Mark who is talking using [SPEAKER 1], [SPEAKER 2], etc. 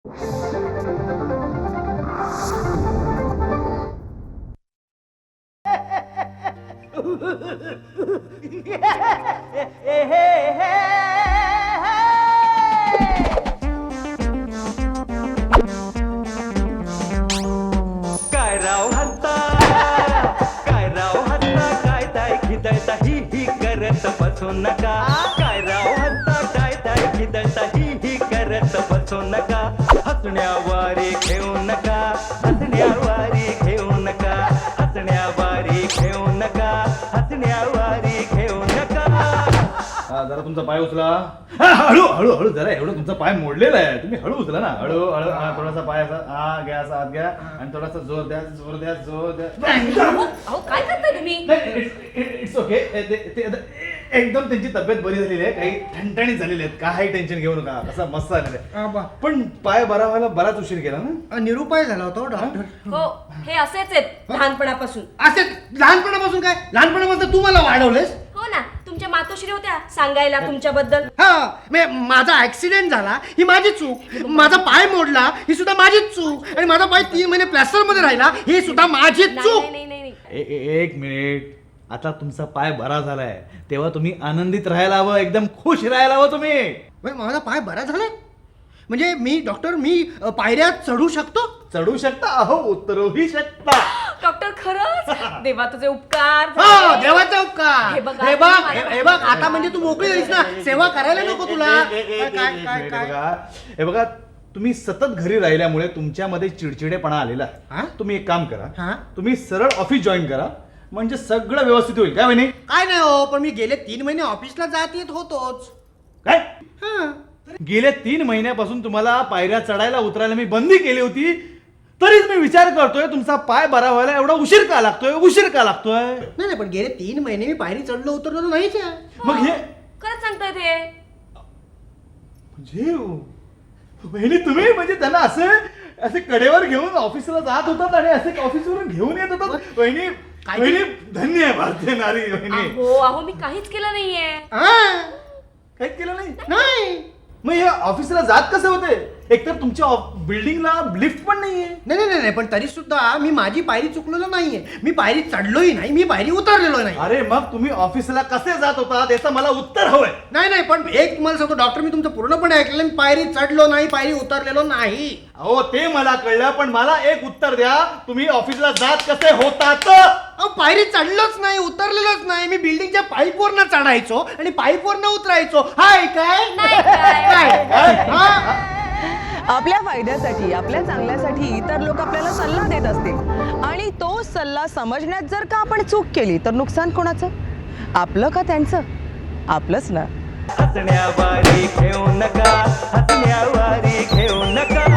[SPEAKER 1] काय राव हत्ता काय ताय खिदळता ही करत बसू नका. काय राव हत्ता काय ताय खिदळता ही करत बसू नका. हसण्यावारी घेऊ नका, हसण्यावारी घेऊ नका, हसण्यावारी घेऊ नका, हसण्यावारी घेऊ नका.
[SPEAKER 2] जरा तुमचा पाय उचला. हळू हळू हळू जरा, एवढं तुमचा पाय मोडलेला आहे, तुम्ही हळू उचला ना. हळू हळू थोडासा पाय असा घ्या, असा आत घ्या आणि थोडासा जोर द्या, जोर द्या, जोर द्या.
[SPEAKER 3] अहो काय करताय तुम्ही?
[SPEAKER 2] It's okay. एकदम त्यांची तब्येत बरी झालेली आहे, काही ठणठणीत झालेली आहेत, काही टेन्शन घेऊ नका. कसा मस्त झालेला आहे. पण पाय बरा व्हायला बराच उशीर केला ना.
[SPEAKER 4] निरुपाय झाला होता डॉक्टर.
[SPEAKER 3] हो हे असेच आहेत लहानपणापासून.
[SPEAKER 4] असे लहानपणापासून काय? लहानपणापासून तू मला वाढवलेस.
[SPEAKER 3] हो ना, तुमच्या मातोश्री होत्या सांगायला तुमच्याबद्दल.
[SPEAKER 4] हा माझा ऍक्सिडेंट झाला ही माझी चूक, माझा पाय मोडला ही सुद्धा माझीच चूक, आणि माझा पाय 3 महिने प्लॅस्टर मध्ये राहिला ही सुद्धा माझीच चूक.
[SPEAKER 3] नाही नाही नाही.
[SPEAKER 2] एक मिनिट. आता तुमचा पाय बरा झालाय तेव्हा तुम्ही आनंदित राहायला हवं, एकदम खुश राहायला हवं तुम्ही.
[SPEAKER 4] माझा पाय बरा झालाय म्हणजे मी डॉक्टर मी पायऱ्या चढू शकतो.
[SPEAKER 2] चढू शकता, अहो उतरूही शकता.
[SPEAKER 3] डॉक्टर खरंच देवा तुझे उपकार
[SPEAKER 4] हो
[SPEAKER 3] झाले.
[SPEAKER 4] देवाचा उपकार.
[SPEAKER 3] हे बघा,
[SPEAKER 4] हे बघ आता म्हणजे तू मोकळी झालीस ना, सेवा करायला नको तुला.
[SPEAKER 2] हे बघा, तुम्ही सतत घरी राहिल्यामुळे तुमच्यामध्ये चिडचिडेपणा आलेला
[SPEAKER 4] हा?
[SPEAKER 2] आहे. तुम्ही एक काम
[SPEAKER 4] हा?
[SPEAKER 2] करा, तुम्ही सरळ ऑफिस जॉईन करा, म्हणजे सगळं व्यवस्थित होईल. काय म्हणे?
[SPEAKER 4] काय नाही हो, पण मी गेले 3 महिने ऑफिसला जात येत होतोच.
[SPEAKER 2] काय
[SPEAKER 4] हा.
[SPEAKER 2] गेल्या 3 महिन्यापासून तुम्हाला पायऱ्या चढायला उतरायला मी बंदी केली होती, तरीच मी विचार करतोय तुमचा पाय बरा व्हायला एवढा उशीर का लागतोय, उशीर का लागतोय.
[SPEAKER 4] नाही पण गेले 3 महिने मी पायरी चढलो उतरलो नाहीच आहे.
[SPEAKER 2] मग हे
[SPEAKER 3] खरंच सांगताय ते.
[SPEAKER 2] म्हणजे वहिनी तुम्ही म्हणजे त्यांना असे कडेवर घेऊन ऑफिसला जात होतात आणि असे ऑफिसवरून घेऊन येत होतात. वहिनी वहिनी धन्य आहे भारतीय नारी. वहिनी
[SPEAKER 3] अहो मी काहीच केलं नाहीये.
[SPEAKER 4] हा?
[SPEAKER 2] काहीच केलं नाही.
[SPEAKER 4] नाही
[SPEAKER 2] मग हे ऑफिसला जात कसे होते? एकतर तुमच्या बिल्डिंगला लिफ्ट पण नाहीये.
[SPEAKER 4] नाही नाही नाही, पण तरी सुद्धा मी माझी पायरी चुकलेलो नाहीये. मी पायरी चढलोही नाही, मी पायरी उतरलेलो नाही.
[SPEAKER 2] अरे मग तुम्ही ऑफिसला कसे जात होता याचं मला उत्तर हवंय.
[SPEAKER 4] नाही नाही, पण एक तुम्हाला सांगतो डॉक्टर, मी तुमचं पूर्णपणे ऐकलेलं. मी पायरी चढलो नाही, पायरी उतरलेलो नाही.
[SPEAKER 2] अहो ते मला कळलं, पण मला एक उत्तर द्या, तुम्ही ऑफिसला जात कसे होतात?
[SPEAKER 4] अहो पायरी चढलोच नाही, उतरलेलोच नाही. मी बिल्डिंगच्या पाईपवरनं चढायचो आणि पाईपवरनं उतरायचो. हाय काय?
[SPEAKER 3] नाही काय?
[SPEAKER 4] हा?
[SPEAKER 5] आपल्या फायद्यासाठी, आपल्या चांगल्यासाठी इतर लोक आपल्याला सल्ला देत असतील आणि तो सल्ला समजण्यात जर का आपण चूक केली तर नुकसान कोणाचं? आपलं का त्यांचं? आपलंच ना.
[SPEAKER 1] हसण्यावारी घेऊ नका, हसण्यावारी घेऊ नका.